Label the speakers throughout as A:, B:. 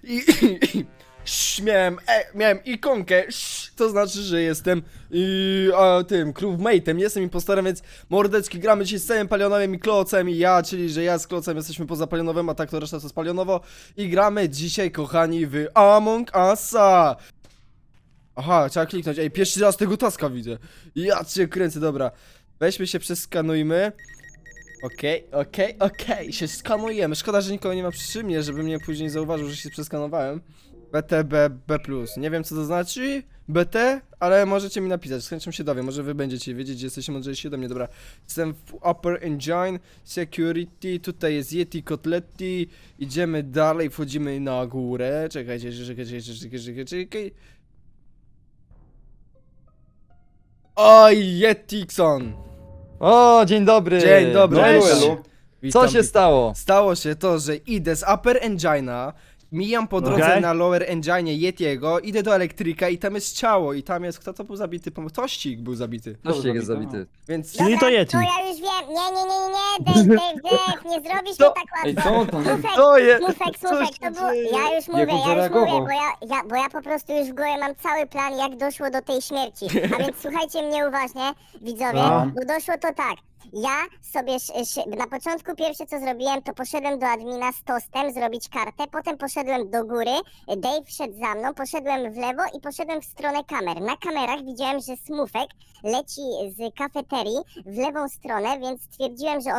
A: miałem ikonkę, to znaczy, że jestem tym crewmate'em, jestem impostorem, więc mordeczki, gramy dzisiaj z całym palionowym i klocem i ja, czyli że ja z klocem jesteśmy poza palionowym, a tak to reszta to jest palionowo i gramy dzisiaj, kochani, w Among Usa. Aha, trzeba kliknąć, ej, pierwszy raz tego taska widzę. Ja cię kręcę, dobra. Weźmy się, przeskanujmy. Okej, się skanujemy. Szkoda, że nikogo nie ma przy mnie, żeby mnie później zauważył, że się przeskanowałem. BTB+. Nie wiem, co to znaczy BT, ale możecie mi napisać, z chęcią się dowiem. Może wy będziecie wiedzieć, że jesteście mądrzejsi ode mnie. Dobra, jestem w Upper Engine, Security, tutaj jest Yeti, Kotletti. Idziemy dalej, wchodzimy na górę. Czekajcie. Oj, Yetikson!
B: O, dzień dobry!
A: Dzień dobry,
B: Cześć.
A: Elu.
B: Co
A: Witam,
B: się stało?
A: Stało się to, że idę z Upper Engine'a, mijam po drodze
B: Okej.
A: na Lower Engine Yetiego, idę do elektryka i tam jest ciało i tam jest, kto to był zabity? Tościk był zabity,
B: Tościk jest zabity.
A: więc...
C: Czyli to Yeti.
D: To ja już wiem. Dave, nie zrobisz
B: Co?
D: to tak
C: Ej,
D: łatwo.
C: co on tam?
D: Smufek,
B: To jest...
D: Smufek,
B: Co
D: to
B: się
D: było...
B: dzieje?
D: Ja już mówię,
C: Jak on zareagował?
D: bo ja po prostu już w głowie mam cały plan, jak doszło do tej śmierci. A więc słuchajcie mnie uważnie, widzowie,
B: No.
D: bo doszło to tak. Ja sobie na początku pierwsze co zrobiłem, to poszedłem do admina z tostem zrobić kartę, potem poszedłem do góry, Dave wszedł za mną, poszedłem w lewo i poszedłem w stronę kamer. Na kamerach widziałem, że Smufek leci z kafeterii w lewą stronę, więc stwierdziłem, że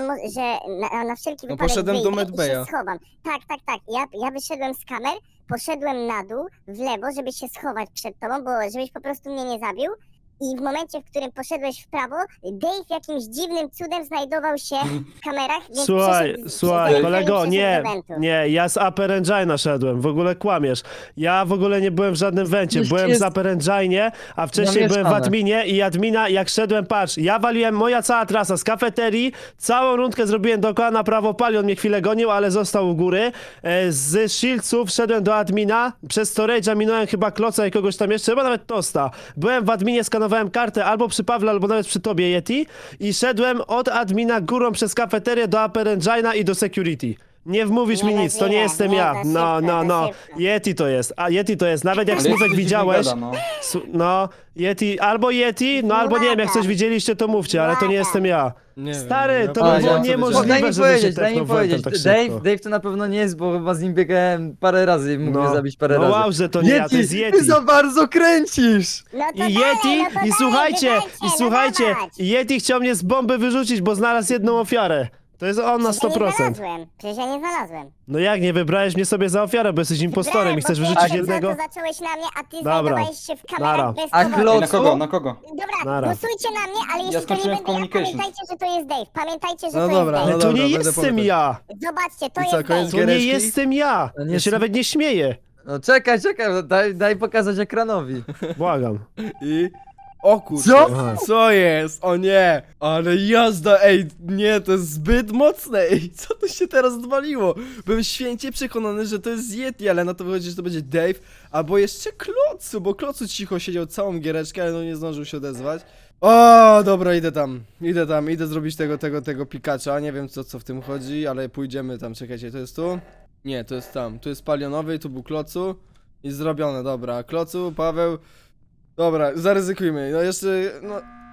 D: na wszelki
A: No,
D: wypadek
A: poszedłem do
D: wyjdę i
A: Medbaya.
D: się schowam. Tak. Ja wyszedłem z kamer, poszedłem na dół, w lewo, żeby się schować przed tobą, bo żebyś po prostu mnie nie zabił. I w momencie, w którym poszedłeś w prawo, Dave jakimś dziwnym cudem znajdował się w kamerach, więc
C: Słuchaj, kolego,
D: przeszedł
C: nie,
D: do wentu.
C: nie, ja z Upper Engine'a szedłem, w ogóle kłamiesz. Ja w ogóle nie byłem w żadnym wencie,
B: Już
C: byłem
B: jest-
C: z Upper Engine'ie, a wcześniej byłem w
B: Zamieszane.
C: adminie i admina, jak szedłem, patrz, ja waliłem, moja cała trasa z kafeterii, całą rundkę zrobiłem dookoła na prawo, Palion mnie chwilę gonił, ale został u góry. Z Shieldsów szedłem do admina, przez storage'a minąłem chyba Kloca i kogoś tam jeszcze, chyba nawet Tosta. Byłem w adminie, skanowałem kartę albo przy Pawle, albo nawet przy tobie, Yeti, i szedłem od admina górą przez kafeterię do Upper Engine'a i do security. Nie wmówisz mi nic, to nie
D: Niemożliwe,
C: jestem
D: nie,
C: ja.
D: za
C: No.
D: szybko.
C: Yeti to jest, a Yeti to jest. Nawet jak Ale Smufek Yeti widziałeś, gada, no, Yeti, albo albo nie wiem, jak coś widzieliście, to mówcie, ale to nie jestem ja.
A: Nie
C: Stary,
A: wiem,
C: to
A: ja
C: by było
A: powiedziałem, co
C: niemożliwe.
A: wiedziałem.
B: Daj mi
C: żeby się
B: powiedzieć,
C: tepnął wentem tak szybko.
B: Dave to na pewno nie jest, bo chyba z nim biegałem parę razy, mógł mnie zabić parę
C: no
B: razy.
C: wow, że to nie ja, to jest
B: Ty
C: Yeti.
B: za bardzo kręcisz!
D: No to
C: I
D: dalej,
C: Yeti,
D: no to
C: i
D: dalej,
C: słuchajcie,
D: dawajcie, no dawać.
C: Yeti chciał mnie z bomby wyrzucić, bo znalazł jedną ofiarę. To jest on na
D: Przecież ja nie
C: 100%.
D: znalazłem. Przecież ja nie znalazłem.
C: No jak nie, wybrałeś mnie sobie za ofiarę, bo jesteś impostorem i chcesz
D: Wybrałem,
C: wyrzucić
D: bo
C: jednego?
D: To zacząłeś na mnie, a ty
C: Dobra.
D: znajdowałeś się w
C: Nara.
D: kamerach bez
B: A
D: powodu.
B: Klo-
C: No
B: Na
C: co?
B: kogo?
C: Na
A: kogo?
D: Dobra,
C: Nara.
D: głosujcie na mnie, ale jeśli to nie
C: skończyłem w
D: będę ja,
C: communications.
D: pamiętajcie, że to jest Dave. Pamiętajcie, że
A: No
D: to
A: dobra,
D: jest
C: Ale
D: Dave.
C: to
A: dobra,
C: nie
A: będę
C: jestem
A: pamiętał.
C: ja!
D: Zobaczcie, to
A: I co,
D: jest
A: koniec
D: Dave.
C: To nie
A: Giereczki?
C: jestem ja!
B: No nie
C: Ja się
B: s-
C: nawet nie śmieję.
B: No czekaj, daj pokazać ekranowi.
C: Błagam.
A: I... O kurczę,
B: Co?
A: co jest? O nie, ale jazda, ej, nie, to jest zbyt mocne, ej, co tu się teraz odwaliło? Byłem święcie przekonany, że to jest Yeti, ale na to wychodzi, że to będzie Dave, albo jeszcze Klocu, bo Klocu cicho siedział całą giereczkę, ale no nie zdążył się odezwać. O, dobra, idę zrobić tego Pikacza, nie wiem co w tym chodzi, ale pójdziemy tam, czekajcie, to jest tu? Nie, to jest tam, tu jest Palionowy, tu był Klocu i zrobione, dobra, Klocu, Paweł... Dobra, zaryzykujmy. No jeszcze, no...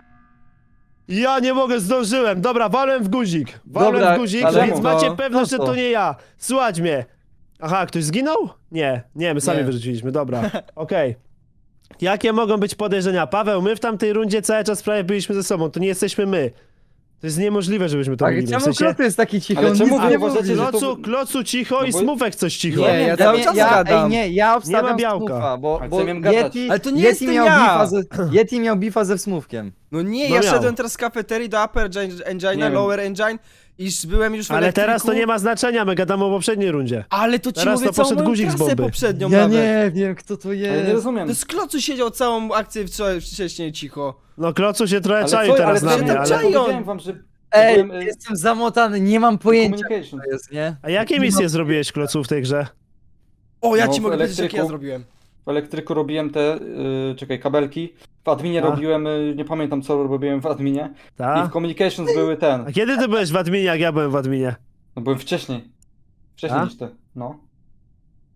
C: Ja nie mogę, zdążyłem. Dobra, walłem w guzik. Walłem
B: Dobra,
C: w guzik,
B: ale
C: więc
A: to-
C: macie pewność, że
B: to-
C: to nie ja. Słuchaj mnie. Aha, ktoś zginął? Nie, my sami
A: Nie.
C: wyrzuciliśmy, dobra. Okej. Jakie mogą być podejrzenia? Paweł, my w tamtej rundzie cały czas prawie byliśmy ze sobą, to nie jesteśmy my. To jest niemożliwe, żebyśmy to
B: Tak,
C: robili. W
B: czemu
C: sensie,
B: Klotu jest taki cicho?
E: Ale
B: On
E: czemu
B: nic
E: wy
B: nie
E: uważacie,
B: mówi.
E: że to-
C: Klocu cicho
E: No
C: i
E: bo-
C: Smufek coś cicho.
A: Nie, ja cały czas gadam.
B: Ja obstawiam
C: białka.
B: Smufa, bo
E: Ale co ja miałem gadać?
A: Ale to nie
B: Yeti
A: jestem
B: miał
A: ja!
B: Yeti miał bifa ze Smówkiem.
A: No nie,
C: No
A: ja
C: miał.
A: szedłem teraz z kafeterii do Upper Engine,
E: Nie wiem.
A: Lower Engine i byłem już w
C: Ale
A: elektryku.
C: teraz to nie ma znaczenia, my gadamy o poprzedniej rundzie.
A: Ale to ci
C: Teraz
A: mówię
C: to
A: całą
C: poszedł
A: moją
C: guzik z
A: trasę
C: bomby.
A: poprzednią
B: Ja
A: nawet.
B: nie wiem, kto to
E: Ale nie
B: jest.
E: rozumiem.
A: To z Klocu siedział całą akcję wcześniej cicho.
C: No Klocu się trochę
E: Ale
C: czaił
E: co,
C: teraz
E: ale
C: na
A: się
C: mnie,
A: tam
C: ale...
A: czai-
E: powiedziałem wam, że
B: Ej,
E: byłem,
B: jestem zamotany, nie mam pojęcia,
E: communication.
B: co to jest, nie?
C: A jakie misje zrobiłeś, Klocu, w tej grze?
A: O, ja
E: No,
A: ci
E: w
A: mogę powiedzieć, jakie ja
E: elektryku.
A: zrobiłem.
E: W elektryku robiłem te, kabelki. W adminie
C: A.
E: robiłem, nie pamiętam co robiłem w adminie. I
C: Ta?
E: w communications były ten.
C: A kiedy ty byłeś w adminie, jak ja byłem w adminie?
E: No byłem wcześniej. Wcześniej
C: A?
E: niż ty. No.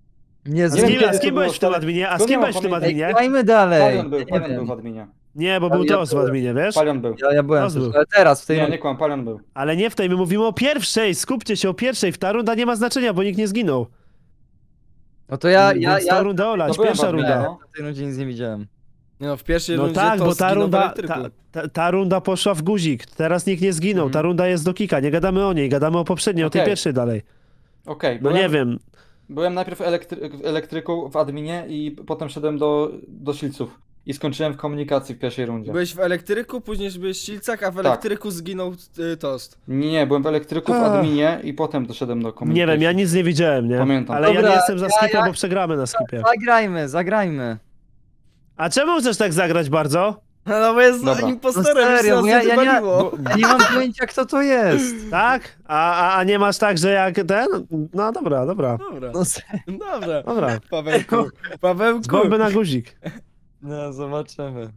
B: Nie,
C: Z
E: Nie wiem,
C: kim,
E: kiedy
C: a z
E: to
C: kim
E: było,
C: byłeś w tym
E: stary.
C: adminie? A z
E: Skąd
C: kim
E: ja mam
C: byłeś w tym
E: pamiętać?
C: adminie?
B: grajmy dalej.
E: Palion
B: Nie
E: był w
B: wiem.
E: adminie.
C: Nie, bo był
B: Ja
C: Toast w
B: byłem.
C: adminie, wiesz?
E: Palion był.
B: Ja byłem
C: Rozbył.
B: też, ale teraz w tej
E: Nie,
B: rundzie.
E: nie kłam, Palion był.
C: Ale nie w tej, my mówimy o pierwszej, skupcie się o pierwszej, ta runda nie ma znaczenia, bo nikt nie zginął.
B: No to ja
C: Więc tą rundę olać,
E: To byłem
C: pierwsza
E: w adminie,
C: runda.
E: no.
B: w tej rundzie nic nie widziałem.
A: Nie no, w pierwszej
C: No
A: rundzie
C: tak,
A: to
C: bo ta
A: zginął w
C: runda,
A: elektryku.
C: ta runda poszła w guzik, teraz nikt nie zginął, ta runda jest do kika, nie gadamy o niej, gadamy o poprzedniej, o tej
E: Okej.
C: pierwszej dalej.
E: Okej,
C: No nie wiem,
E: byłem najpierw w elektryku w adminie i potem szedłem do Silców. I skończyłem w komunikacji w pierwszej rundzie.
A: Byłeś w elektryku, później byłeś w Silcach, a w elektryku zginął Toast.
E: Nie, byłem w elektryku w adminie i potem doszedłem do komunikacji.
C: nie wiem, ja nic nie widziałem, nie?
E: Pamiętam.
C: Ale ja
B: Dobra,
C: nie jestem za
B: ja-
C: skipem,
B: ja-
C: bo przegramy na skipie.
B: Zagrajmy.
C: A czemu chcesz tak zagrać bardzo?
A: No bo jest
E: Dobra.
B: No
A: impostorem,
B: serio,
A: już
B: bo
A: nas
B: ja nie,
A: wywaliło.
B: ja nie mam pojęcia kto to jest.
C: Tak? A nie masz tak, że jak ten? No dobra, dobra,
A: Dobra,
B: No serio.
A: dobra.
C: dobra.
A: Pawełku,
C: Z
A: Pawełku,
C: bomby na guzik.
B: No zobaczymy.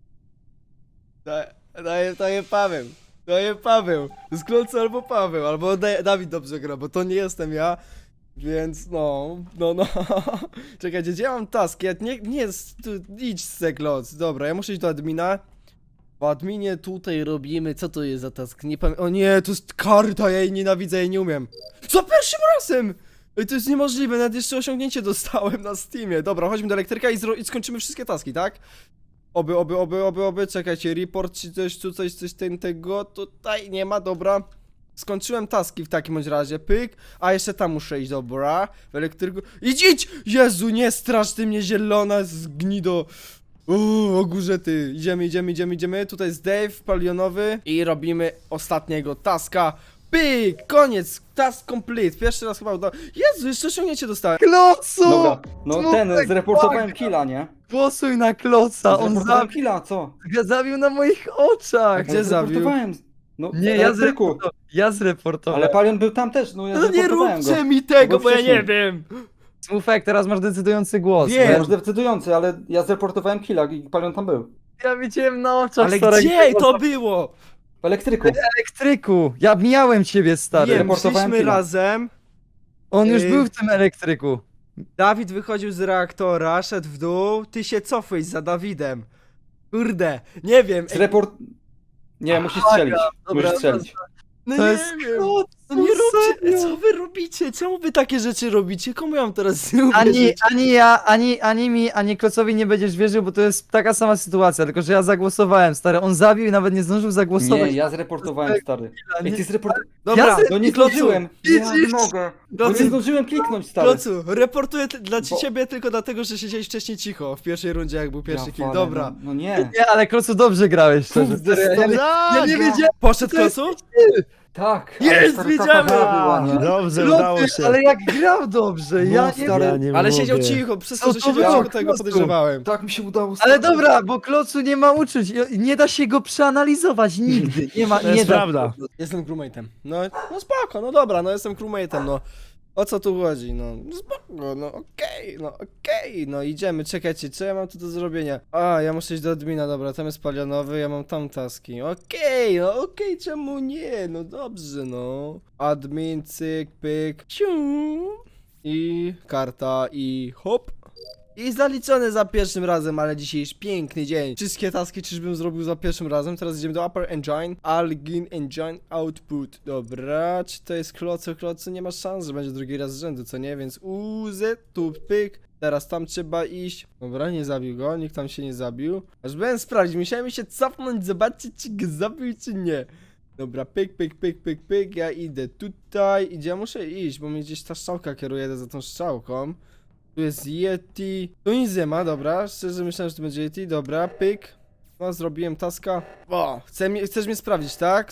A: daję Paweł. Daję Paweł. Skrócę albo Paweł, albo Dawid dobrze gra, bo to nie jestem ja. Więc no. Czekajcie, gdzie ja mam taski? Ja nie, idź z Sekloc. Dobra, ja muszę iść do admina. W adminie tutaj robimy, co to jest za task? Nie pamiętam. O nie, to jest karta, ja jej nienawidzę, jej nie umiem. Za pierwszym razem! Ej, to jest niemożliwe, nawet jeszcze osiągnięcie dostałem na Steamie. Dobra, chodźmy do elektryka i skończymy wszystkie taski, tak? Oby, czekajcie, report czy coś tego, tutaj nie ma, dobra. Skończyłem taski w takim bądź razie, pyk, a jeszcze tam muszę iść, dobra, w elektryku. Idź! Jezu, nie strasz ty mnie, zielona zgnido. O górze ty, idziemy, tutaj jest Dave, palionowy i robimy ostatniego taska. Pyk, koniec, task complete, pierwszy raz chyba udało. Jezu, jeszcze osiągnięcie dostałem.
B: Klocu!
E: Dobra, no
B: Smutny
E: ten, zreportowałem
B: fuck.
E: killa, nie?
B: Głosuj na Kloca, on
E: Zreportowałem killa, co?
B: zabił na moich oczach.
A: Gdzie zabił?
E: Zreportowałem. No, w
B: Nie,
E: elektryku.
B: ja zreportowałem.
E: Ale Palion był tam też, no ja
A: No nie
E: zreportowałem go.
A: róbcie mi tego,
E: Bo
A: bo ja
E: wcześniej.
A: nie wiem.
B: Smufek, teraz masz decydujący głos.
A: Wiem.
E: Ja już decydujący, ale ja zreportowałem killa i Palion tam był.
B: Ja widziałem na oczach
A: Ale
B: starego
A: gdzie
B: Kloca
A: to było?
E: W elektryku.
B: w elektryku. Ja mijałem ciebie, stary.
A: Nie,
E: Reportowałem
A: szliśmy
E: killa.
A: razem.
B: On już
A: Ej.
B: był w tym elektryku.
A: Dawid wychodził z reaktora, szedł w dół, ty się cofłeś za Dawidem. Kurde, nie wiem. Ej,
E: Zreport... Nie, musisz strzelić.
B: dobra,
E: Musisz strzelić.
A: no
B: To
A: nie
B: jest
A: wiem.
B: Kloc,
A: No nie róbcie,
B: serio.
A: co wy robicie? Czemu wy takie rzeczy robicie? Komu ja mam teraz nie uwierzyć?
B: Ani ja, ani mi, ani Klocowi nie będziesz wierzył, bo to jest taka sama sytuacja, tylko że ja zagłosowałem, stary. On zabił i nawet nie zdążył zagłosować.
E: Nie, ja zreportowałem, stary.
B: nie-
E: Ej, ty zreport...
A: Dobra,
B: Ja
E: No nie
A: Klocu,
E: zdążyłem. Ja nie mogę. Bo nie
A: Klocu,
E: zdążyłem kliknąć, stary.
A: Klocu, reportuję dla
E: Bo-
A: ciebie tylko dlatego, że siedziałeś wcześniej cicho w pierwszej rundzie, jak był pierwszy
E: Ja
A: kill.
E: walę,
A: Dobra.
E: No nie.
B: Nie, ale Klocu dobrze grałeś, szczerze.
E: Kurde,
B: Stary, ja, nie, ja nie wiedziałem.
A: Poszedł Klocu?
E: Tak.
A: Jest,
E: ale stary, taka
A: wiedziałem!
E: gra była, nie?
C: Dobrze, udało
B: Klocy,
C: się.
B: ale jak grał dobrze, ja
E: No,
B: nie
E: stary.
C: Ja nie
A: Ale
C: mogę.
A: siedział cicho, przez
B: Co
A: to, że
B: to
A: siedział
B: było,
A: cicho, tego
B: Klocu?
A: podejrzewałem.
E: Tak mi się udało.
B: Ale
E: stary.
B: dobra, bo Klocu nie ma uczuć, nie da się go przeanalizować nigdy. Nie ma,
C: To
B: nie
C: jest
B: da.
C: prawda.
A: Jestem crewmate'em. No spoko, no dobra, no jestem crewmate'em, no. O co tu chodzi? No spoko, no okej, no idziemy, czekajcie, co ja mam tu do zrobienia? A, ja muszę iść do admina, dobra, tam jest palionowy, ja mam tam taski. Okej, czemu nie? No dobrze, no. Admin, cyk, pyk, ciu. I karta, i hop. I zaliczone za pierwszym razem, ale dzisiaj jest piękny dzień. Wszystkie taski czyżbym zrobił za pierwszym razem. Teraz idziemy do Upper Engine. Algin Engine Output. Dobra, czy to jest klocu? Klocu nie ma szans, że będzie drugi raz z rzędu, co nie? Więc UZ, tu pyk. Teraz tam trzeba iść. Dobra, nie zabił go, nikt tam się nie zabił. Aż byłem sprawdzić, musiałem się cofnąć, zobaczyć, czy go zabił, czy nie. Dobra, pyk, ja idę tutaj. Gdzie ja muszę iść, bo mnie gdzieś ta strzałka kieruje, jedę za tą strzałką. Tu jest Yeti. Tu nic nie ma, dobra. Szczerze myślałem, że to będzie Yeti. Dobra, pyk. No, zrobiłem taska. O, chcesz mnie sprawdzić, tak?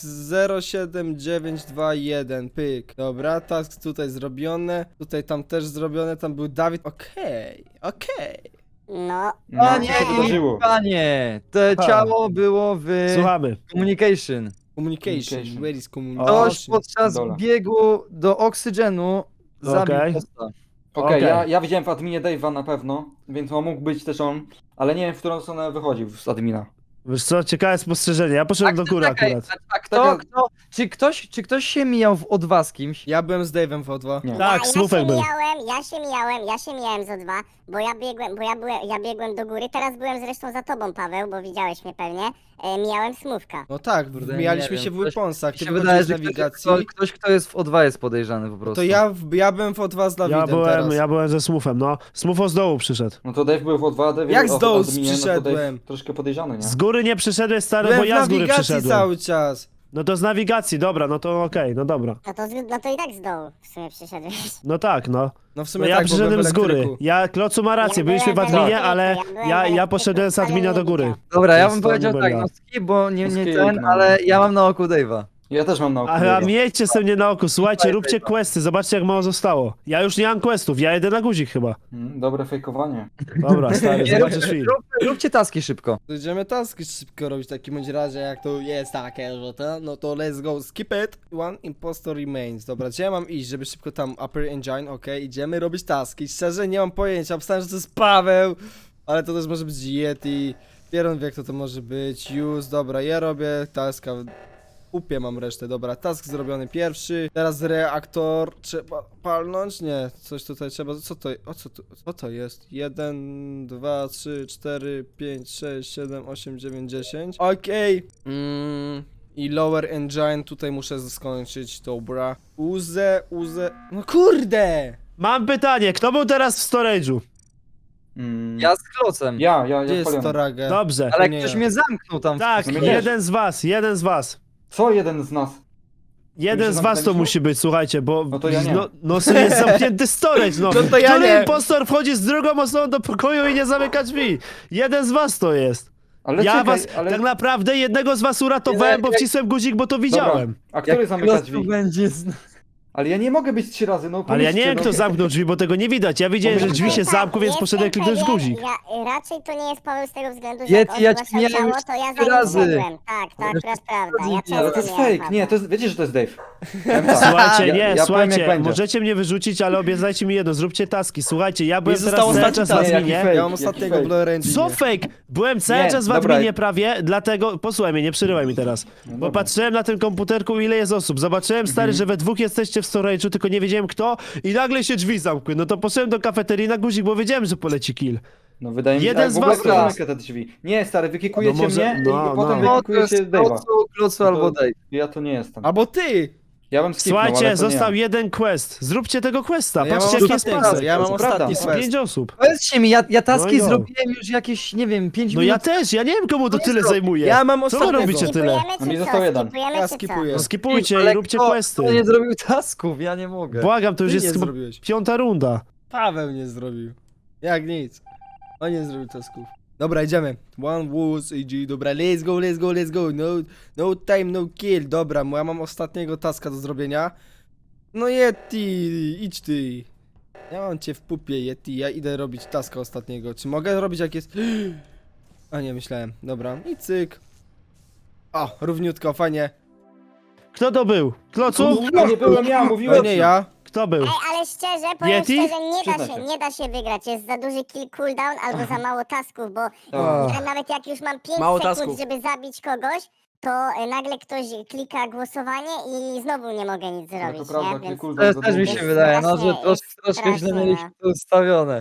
A: 07921, pyk. Dobra, task tutaj zrobione. Tutaj tam też zrobione, tam był Dawid. Okej.
D: No,
E: No,
B: Panie
E: co się wydarzyło?
B: Panie, to
C: Ha.
B: ciało było w
C: Słuchamy.
B: communication.
A: Communication. Where is
B: Ktoś
A: communication?
B: podczas
E: Dola.
B: biegu do oksygenu zabił
C: Okej.
B: posta.
E: Okej,
C: Okej.
E: ja widziałem w adminie Dave'a na pewno, więc on mógł być też on, ale nie wiem, w którą stronę wychodził z admina.
C: Wiesz co, ciekawe spostrzeżenie. Ja poszedłem do góry
B: czekaj,
C: akurat.
B: a kto, czy ktoś się mijał w O2 z kimś?
A: Ja byłem z Dave'em w O2.
E: Nie.
C: Tak, Smufek był.
D: Ja się mijałem z O2, bo ja biegłem do góry, teraz byłem zresztą za tobą, Paweł, bo widziałeś mnie pewnie, mijałem Smówka.
A: No tak,
B: Kurde,
A: mijaliśmy
B: nie
A: się
B: wiem,
A: w
B: coś-
A: Weaponsach,
B: Mi
A: ty
B: się wydaje,
A: wychodziłeś
B: że
A: z nawigacji.
B: ktoś, kto jest w O2 jest podejrzany po prostu.
A: To ja byłem w O2 z Dawidem teraz.
C: Ja byłem ze Smufem, no. Smufo z dołu przyszedł.
E: No to Dave był w O2, Dave
A: Jak
E: był
A: z dołu
E: w adminie,
A: przyszedłem?
E: No to Dave troszkę podejrzany, nie?
C: Z góry nie przyszedłeś, stary,
A: Byłem
C: bo
A: w
C: ja z góry
A: nawigacji
C: przyszedłem.
A: cały czas.
C: No to z nawigacji, dobra, no to okej, no dobra.
D: No to i tak z dołu w sumie przyszedłeś.
C: No tak, no.
A: No w
C: No
A: sumie
C: ja
A: tak, bo byłem
C: przyszedłem
A: w
C: z góry.
A: elektryku.
C: Klocu ma rację,
D: Ja
C: byliśmy w
D: byłem w
C: adminie,
D: elektryku,
C: ale
D: ja byłem w
C: ja
D: elektryku,
C: poszedłem z
D: ale
C: admina
D: nie
C: do góry.
D: widziałem.
B: Dobra, ja
C: Więc
B: bym
C: to
B: powiedział
C: nie
B: tak,
C: byłem
B: no
C: ja.
B: skip, bo nie
E: Skip,
B: ten,
E: no.
B: ale ja mam na oku Dave'a.
E: Ja też mam na oku
C: A
E: Dave'a.
C: miejcie sobie mnie na oku, słuchajcie,
B: Dawaj,
C: róbcie
B: dawaj.
C: questy, zobaczcie jak mało zostało. Ja już nie mam questów, ja jedę na guzik chyba.
E: Dobre fejkowanie.
C: Dobra, stary,
B: Nie,
C: zobaczysz film.
B: Róbcie taski szybko.
A: Będziemy taski szybko robić w takim bądź razie, jak to jest takie, że to, no to let's go, skip it. One impostor remains. Dobra, gdzie ja mam iść, żeby szybko tam upper engine, okej, idziemy robić taski. Szczerze nie mam pojęcia, obstałem, że to jest Paweł, ale to też może być Yeti. Pieron wie, kto to może być. Use, dobra, ja robię taska. Upie mam resztę, dobra, task zrobiony pierwszy. Teraz reaktor, trzeba palnąć? Nie, coś tutaj trzeba, co to jest? 1, 2, 3, 4, 5, 6, 7, 8, 9, 10. Okej. I lower engine tutaj muszę skończyć, dobra. Uze. No kurde!
C: Mam pytanie, kto był teraz w storage'u?
B: Ja z klocem.
E: Ja
A: Gdzie jest
E: spaliłem.
A: to ragę?
C: Dobrze.
B: Ale
A: nie
B: ktoś
A: ja.
B: mnie zamknął tam.
C: Tak,
E: No mnie też.
C: jeden z was.
E: Co jeden z nas?
C: Jeden
E: się
C: z was to
E: zamknęliśmy?
C: musi być, słuchajcie, bo
E: No to ja nie.
C: no jest zamknięty storage, no.
A: No to ja
C: Który
A: nie.
C: impostor wchodzi z drugą osobą do pokoju i nie zamyka drzwi? Jeden z was to jest.
E: Ale
C: Ja
E: czekaj,
C: was,
E: ale...
C: tak naprawdę jednego z was uratowałem,
B: Nie,
C: bo wcisłem guzik, bo to
E: Dobra,
C: widziałem.
E: a który
B: Jak
E: zamyka
B: klocu
E: drzwi?
B: będzie...
E: Ale ja nie mogę być 3 razy, no
C: Ale ja nie
E: pomyślcie,
C: wiem,
E: no.
C: kto zamknął drzwi, bo tego nie widać. Ja widziałem, że drzwi się zamkły, więc
D: Jestem
C: poszedłem kliknąć
D: pewien,
C: guzik.
D: Raczej to nie jest Paweł z tego względu, że
B: Yeti,
D: jak
B: ja
D: on
B: ci
D: zgłaszał
B: miałem
D: ciało,
B: już
D: to ja
B: 3
D: za nim
B: razy.
D: szedłem. Tak, to akurat prawda. Ja
B: Ale
D: często
E: Ale to jest
D: miałem
E: fake, nie, to jest, wiecie, że to jest Dave.
C: Słuchajcie,
E: Ja-
C: nie,
E: ja powiem, jak
C: słuchajcie,
E: będzie.
C: możecie mnie wyrzucić, ale obiecajcie mi jedno, zróbcie taski. Słuchajcie, ja
A: Mi
C: byłem teraz
A: został
C: cały
A: ostatni
C: czas w
A: task.
E: Nie, jaki
C: adminie.
E: fake.
A: Ja mam
E: jaki
A: ostatniego
E: fake.
A: Blue Engine.
C: Co fake? Byłem cały
E: Nie,
C: czas w
E: dobra.
C: adminie prawie, dlatego... Posłuchaj mnie, nie przerywaj mi teraz. Bo
E: dobra.
C: patrzyłem na tym komputerku, ile jest osób. Zobaczyłem, stary, że we dwóch jesteście w storage'u, tylko nie wiedziałem kto i nagle się drzwi zamkły. No to poszedłem do kafeterii na guzik, bo wiedziałem, że poleci kill.
E: No wydaje mi się,
C: Jeden
E: tak,
C: z
E: w ogóle
C: was
E: kto
C: teraz.
E: zamyka te drzwi? Nie, stary, wykikujecie
C: No może-
E: mnie
C: no,
E: i potem
C: no.
B: No to jest
E: wykikujecie Dave'a.
B: klocu
E: No
B: albo
E: to-
B: Dave.
E: Ja to nie jestem.
A: Albo ty!
E: Ja bym skipnął, ale
C: Słuchajcie,
E: to nie
C: został
E: ja.
C: jeden quest. Zróbcie tego questa.
A: No ja mam
C: Patrzcie, jaki jest
A: ostatniego,
C: pasek.
A: ja mam
E: To prawda.
A: ostatni
C: Jest
A: quest.
C: 5 osób.
B: Powiedzcie mi, ja taski
C: No i go.
B: zrobiłem już jakieś, nie wiem, 5
C: No
B: minut.
C: ja też, ja nie wiem komu to
B: No
C: tyle
B: co?
C: zajmuje.
A: Ja mam
C: Co wy
A: ostatniego.
C: robicie tyle?
D: Skipujemy
E: No mi
D: czy
E: został
D: co?
E: jeden.
D: Skipujemy
A: Ja
D: czy co?
A: skipuję.
C: No skipujcie
B: Ale
C: i róbcie questy.
B: Kto nie zrobił tasków? Ja nie mogę.
C: Błagam, to już
A: Ty
C: jest
A: nie
C: chyba
A: zrobiłeś.
C: 5. runda.
A: Paweł nie zrobił. Jak nic. On nie zrobił tasków. Dobra, idziemy. One was AG, dobra, let's go. No time, no kill. Dobra, ja mam ostatniego taska do zrobienia. No Yeti, idź ty. Ja mam cię w pupie, Yeti, ja idę robić taska ostatniego. Czy mogę robić jak jest... A nie, myślałem. Dobra, i cyk. O, równiutko, fajnie.
C: Kto to był? Klocu?
E: No nie byłem ja,
A: No
E: mówiłem
A: nie
E: ci.
A: ja.
C: Kto był?
D: Ej, ale szczerze, powiem
C: Yeti?
D: szczerze,
E: Przyznaj się.
D: nie da się wygrać. Jest za duży kill cooldown albo za mało tasków, bo ja nawet jak już mam 5
A: Mało
D: sekund,
A: tasków.
D: żeby zabić kogoś, to nagle ktoś klika głosowanie i znowu nie mogę nic zrobić,
E: prawda,
D: nie? Więc...
E: cooldown
B: To
E: za
B: też mi
E: długo.
B: się wydaje, no, że
D: Strasznie,
B: troszkę źle
D: strasznie,
B: mieliśmy to ustawione.